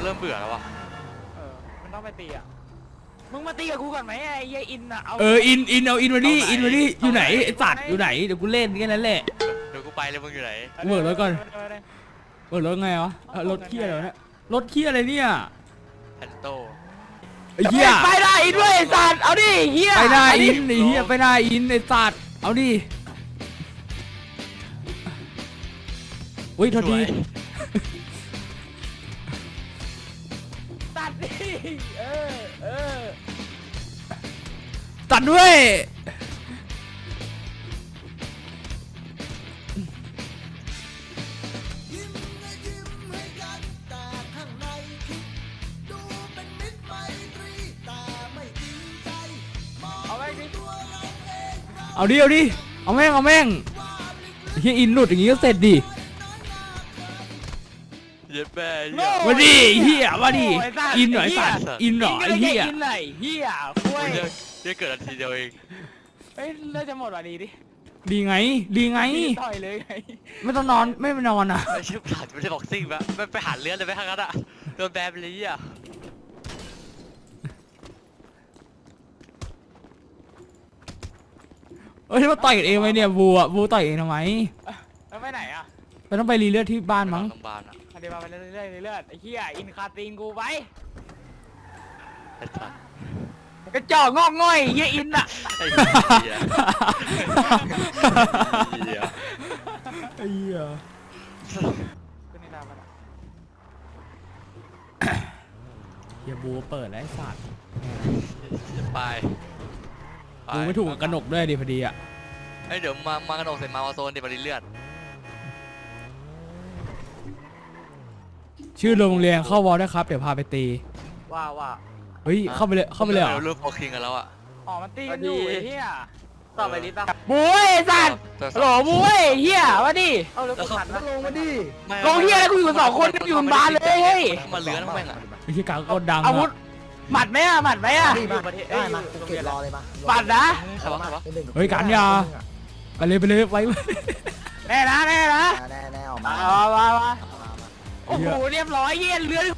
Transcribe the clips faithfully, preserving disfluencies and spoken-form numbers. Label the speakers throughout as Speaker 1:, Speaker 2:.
Speaker 1: เริ่มเบื่อแล้ววะ
Speaker 2: เออมันต้องไปตีอ่ะมึงมาตีกับกูก่อนไหมไอ้ยัยอินอ่ะเอา
Speaker 3: เอออินอินเอาอินมาดิอินมาดิอยู่ไหนไอ้สัตว์อยู่ไหนเดี๋ยวกูเล่นแค่นั้นแหละ
Speaker 1: เดี๋ยวกูไปเลยมึงอยู่ไหน
Speaker 3: เบิร์ดรถก่อนเบิร์ดรถไงวะรถเคี้ยอะไรเนี่ยรถเคี้ยอะไรเนี่ย
Speaker 1: แพนโต
Speaker 3: ไอ้เหี้ย
Speaker 2: ไปได้อินด้วยไอ้สัตว์เอาดิเหี้ย
Speaker 3: ไปหน้าอินไอ้เหี้ยไปหน้าอินไอ้สัตว์เอาดิอุ้ยโทษที
Speaker 2: ตัดดิเออเออ
Speaker 3: ตัดด้วยเอาดิเอาดิเอาแม่งเอาแม่งเฮียอินหลุดอย่างงี้ก็เสร็จดิ
Speaker 1: เย็บแม่
Speaker 3: มาดิเฮียมาดิอินหน่อยสัตว์อินหน่อยเฮีย
Speaker 2: อินไหนเฮียคุย
Speaker 1: เดี๋ยวเกิดนาทีเดียวเอง
Speaker 2: เฮ้ยเลิกจะหมดว่ะดีดิ
Speaker 3: ดีไงดีไง
Speaker 2: ต่อยเลยไง
Speaker 3: ไม่ต้องนอนไม่ไปนอนอ่ะ
Speaker 1: ไม่ใช่ผ่านไม่ใช่บ็อกซิ่งปะไม่ไปหาเลือดเลยไหมทางนั้นอ่ะโดนแบนเลยอ่ะ
Speaker 3: เอ้ยมาต่อยกันเองไหมเนี่ยบูอ่ะบูต่อยเองทำไม
Speaker 2: แล้วไปไหนอ่ะ
Speaker 3: ไปต้องไปรีเลือดที่บ้านมั้ง
Speaker 2: เดี๋ยวไปเรื่อยๆเรื่อยๆไอ้เหี้ยอินคาตีนกูไปกระจอกงอกง่อยเหี้ยอินอ่ะ
Speaker 1: ไอ้เหี้ย
Speaker 3: ไอ้เหี้ย
Speaker 2: ขึ้นในน้ำมันอ่ะ
Speaker 3: เหี้ยบูเปิดแล้วไอ้สัตว์
Speaker 1: ไป
Speaker 3: บูไม่ถูกกับกระหนกด้วยดิพอดีอ่ะ
Speaker 1: ไอ้เดี๋ยวมามากระหนกใส่มาวาโซนดิบริเลือด
Speaker 3: ชื่อโรงเรียนเข้าวอลได้ครับเดี๋ยวพาไปตี
Speaker 2: ว่าว่า
Speaker 3: เฮ้ยเข้าไปเลยเข้าไปเลยเหรอ
Speaker 1: เราเริ่มพอคิงกันแล้วอ่ะ
Speaker 2: อ๋อมันตีกันอยู่เฮียต่อไปลิสต์ป่ะ
Speaker 3: บุ้ยสัตว์
Speaker 2: โหลบุ้ยเฮียมาดิเอาแล้วกูขัดลงมาดิลงเฮียแล้วกูอยู่สองคนอยู่บานเลยเฮ้ย
Speaker 1: มาเลื้อนแม่งอ่ะ
Speaker 3: ไอ้เฮียกาก็ดัง
Speaker 2: อาวุธหมัดไหมอ่ะหมัดไหมอ่ะ
Speaker 4: ได้มาเก็บรอเลยมา
Speaker 2: หมัดนะ
Speaker 3: เฮ้ยการยาไปเลยไปเลยไว้
Speaker 2: แน่นะแน่นะ
Speaker 4: แน่แน่ออกมา
Speaker 2: มามาโอ้โหเรียบร้อยเฮียเลื้อน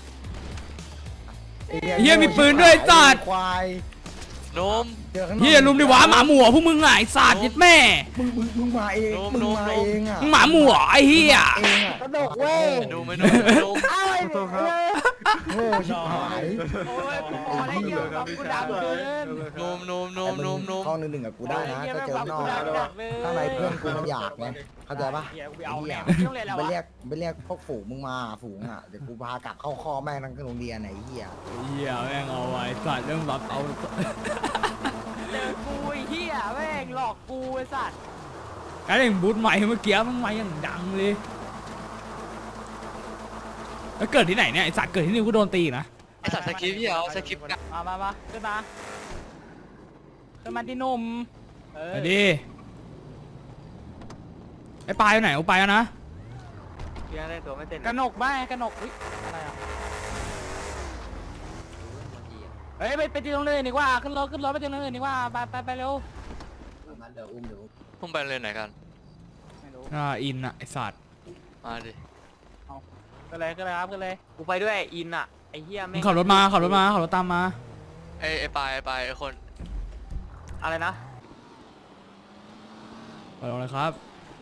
Speaker 3: เฮียมีปืนด้วยสัตว์
Speaker 4: ควาย
Speaker 1: นม
Speaker 3: เฮียลุมดิวะหมาหมูพวกมึงไงสัตว์ยึดแม่
Speaker 4: มึงมึงมึงมาเองมึงมาเองอ่ะ
Speaker 3: หมาหมูไอ้เฮีย
Speaker 4: กระดกเว้ย
Speaker 1: ดูไม่ดูดู
Speaker 2: อ้าว
Speaker 4: โอ้ชิบหาย
Speaker 2: โอ้ยพอได้เยอะกับกูดังเกิน
Speaker 1: นมนมนมนมนม
Speaker 4: ห้องหนึ่งหนึ่งกับกูได้นะก็เจอนอกข้างในเพื่อนกูมันอยากไงเข้าใจปะไปเรียกไปเรียกพวกฝูงมึงมาฝูงอ่ะเดี๋ยวกูพากลับเข้าคอแม่งทั้งโรงเรียนไหนเหี้ย
Speaker 3: เหี้ยแม่งเอาไว้สัตว์เรื่องรับเอา
Speaker 2: เจอกูไอ้เหี้ยแม่งหลอกกูไอ้สัตว์
Speaker 3: ไอ้เรื่องบูทใหม่เมื่อกี้มันใหม่อย่างดังเลยแล้วเกิดที่ไหนเนี่ยไอสัตว์เกิดที่นี่กูโดนตีนะ
Speaker 1: ไอสัตว์สกิปพี่เอาสกิป
Speaker 2: มามามาขึ้นมาขึ้นมาที่นุ่ม
Speaker 3: ไปดิไอ้ปลายอยู่ไหนกูไปแล้วนะ
Speaker 2: เพียงได้ตัวไม่เต้นกระหนกบ้ากระหนกอะไรอ่ะเฮ้ยไปไปตีตรงเลยดีกว่าขึ้นรถขึ้นรถไปตีตรงเลยดีกว่าไปไปไปเร็ว
Speaker 4: มาเดี๋ยวอุ้มเดี๋ยว
Speaker 1: พุ่งไปเลยไหนกัน
Speaker 2: ไม่รู้
Speaker 3: อ่าอินอ่ะไอสัตว์
Speaker 1: มาดิ
Speaker 2: เอาก็เลยก็เลยครับก็เลยกูไปด้วยอินอ่ะไอเฮีย
Speaker 3: ไม่ขับรถมาขับรถมาขับรถตามมา
Speaker 1: ไอไอปลายปลายไอคน
Speaker 2: อะไรนะ
Speaker 3: ไปลงเลยครับ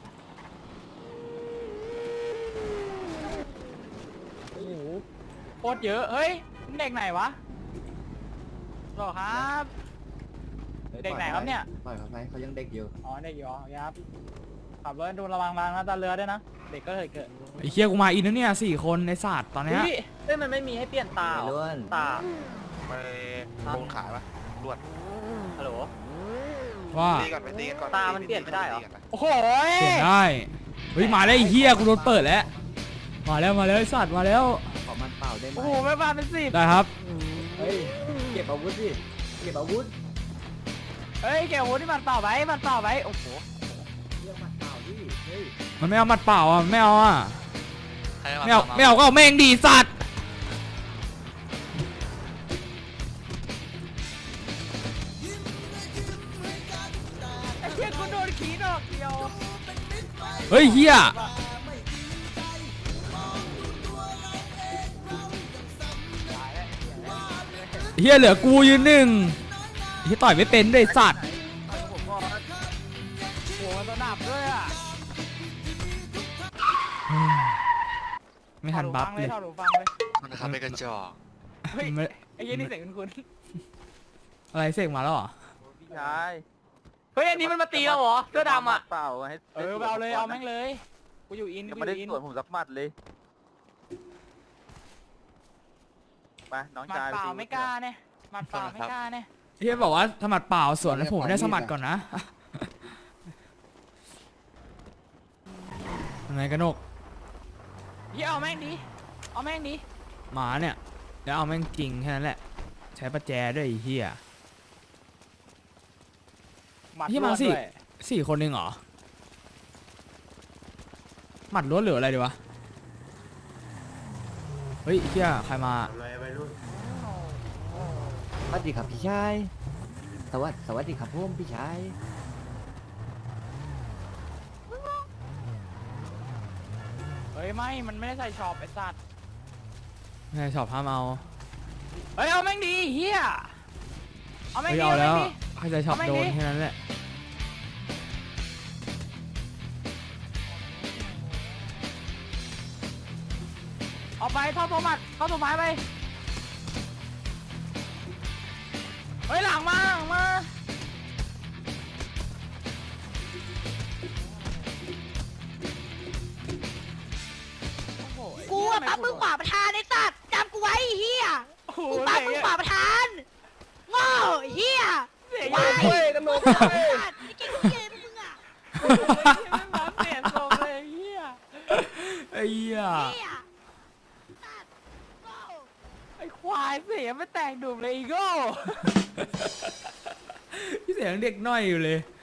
Speaker 2: โอ้โหโคตรเยอะเฮ้ยเด็กไหนวะหรอครับเด็กไหนครับเนี่ย
Speaker 4: ปล่อยเขาไปเขายังเด็กอยู่
Speaker 2: อ๋อเด็กอยู่อ๋อครับขับรถดูระวังรางนะตาเรือด้วยนะเด็กก็เคยเกิด
Speaker 3: ไอ้เคี้ยกูมาอินนะเนี่ยสี่คนในศาสตร์ตอนนี้
Speaker 2: เฮ้ยมันไม่มีให้เปลี่ยนตาตา
Speaker 1: ไปลงขายปะรวด
Speaker 2: ฮัลโหล
Speaker 3: ว่า
Speaker 2: ตามันเปลี่ยนไม่ได้หรอโอ้โห
Speaker 3: เปลี่ยนได้เฮ้ยมาแล้วไอ้เคี้ยกูโดนเปิดแล้วมาแล้วมาแล้วไอ้สัตว์มาแล้ว
Speaker 4: ขอมันเปล่าได้ไหม
Speaker 2: โอ้โหไม่มาเป็นสิบ
Speaker 3: ได้ครับ
Speaker 4: เฮ้ยเก็บอาวุธสิเก็บอาวุธ
Speaker 2: เฮ้ยเก็บอาวุธที่มันเปล่าไว้มันเปล่าไว้โอ้โห
Speaker 4: เรื่องมันเปล่าดิเฮ้ย
Speaker 3: มันไม่เอามัดเปล่าอ่ะไม่เอาอ่ะไม่เอาไม่เอาก็เอาแม่งดีสัตว์
Speaker 2: ไอ้เหี้ยกูโดนขีดอกเดียว
Speaker 3: เฮ้ยเหี้ยเฮียเหลือกูยืนหนึ่งเฮียต่อยไม่เป็นด้วยสัตว์
Speaker 2: ผมก็หัวมันสนับด้วยอ่ะ
Speaker 3: ไม่ทันบัฟเลย
Speaker 2: ถอดหูฟังเลย
Speaker 1: มันนะครับเป็นกระจอก
Speaker 2: เฮ้ย
Speaker 3: ไม่
Speaker 2: ไอ้ยี่นี่เสียงคุ้น
Speaker 3: อะไรเสกมาแล้วเหรอ
Speaker 5: พี่ชาย
Speaker 2: ๆเฮ้ยอันนี้มันมาตีเราเหรอเสื้อดำอ่ะ
Speaker 5: เปล่าให้
Speaker 2: เออเอาเลยเอาแม่งเลยกูอยู่อิน
Speaker 5: ยัง
Speaker 2: กู
Speaker 5: ไม่
Speaker 2: อ
Speaker 5: ได้
Speaker 2: ยู่อิน
Speaker 5: สวนผมสักหมัดเลยไปน้อง
Speaker 2: หมัด
Speaker 5: ชาย
Speaker 2: เปล่า
Speaker 5: ตี
Speaker 2: ไม่กล้าเนี่ยหมัดเปล่าไม่กล้าเนี่ย
Speaker 3: เฮียบอกว่าสมัดเปล่าสวนแล้วผมได้สมัดก่อนนะยังไงกันนก
Speaker 2: เฮียเอาแม่งดิเอาแม่งดิ
Speaker 3: หมาเนี่ยแล้วเอาแม่งจริงแค่นั้นแหละใช้ประแจด้วยไอ้เฮีย
Speaker 2: หมัด
Speaker 3: เฮียมา
Speaker 2: ล้วน
Speaker 3: สิ
Speaker 2: ด้วย
Speaker 3: สี่คนเองเหรอหมัดล้วนเหลืออะไรดีวะเฮ้ยเฮียใครมา
Speaker 6: สวัสดีครับพี่ชาย สวัสดีสวัสดีครับผมพี่ชาย
Speaker 2: เฮ้ยไม่มันไม่ได้ใส่ช็อปไอ้สัตว์
Speaker 3: ไม่ชอบห้ามเอา
Speaker 2: เฮ้ยเอาแม่งดีเฮียเอาแม่ง
Speaker 3: เฮ้ย
Speaker 2: ดี
Speaker 3: เอา
Speaker 2: เอา
Speaker 3: แล้
Speaker 2: แม่
Speaker 3: ว
Speaker 2: งดี
Speaker 3: ใครจะชอบ
Speaker 2: เอาแม่ง
Speaker 3: โดน
Speaker 2: ดิ
Speaker 3: แค่นั้นแหละ
Speaker 2: เอาไปเข้าตัวหมัดเข้าตัวไม้ไปเฮ้ยหลังมาหลังมาโอ้โหไอ้
Speaker 7: กู
Speaker 2: เหี้ย
Speaker 7: อะปั๊บมึง
Speaker 2: ทำไ
Speaker 7: ขวาประธานไอ้สัตว์จำกูไว้ไอ้เฮีย
Speaker 2: โอ้โห
Speaker 7: กูปั๊บมึงขวาประธานโง่ไอ้เฮีย
Speaker 2: เสียง
Speaker 7: วาย
Speaker 2: เว้ยกันโลก
Speaker 7: ไอ้สัตว์ไอ้เก่งเกมมึงอะ
Speaker 2: ไม่มาเสียงทรงเลยเฮีย
Speaker 3: ไอ้เหี้ย
Speaker 7: เฮียสัตว์โง่
Speaker 2: ไอ้ควายเสียงไม่แต่งดุมเลยอีโก้
Speaker 3: พี่เสียงเด็กน้อยอยู่เลย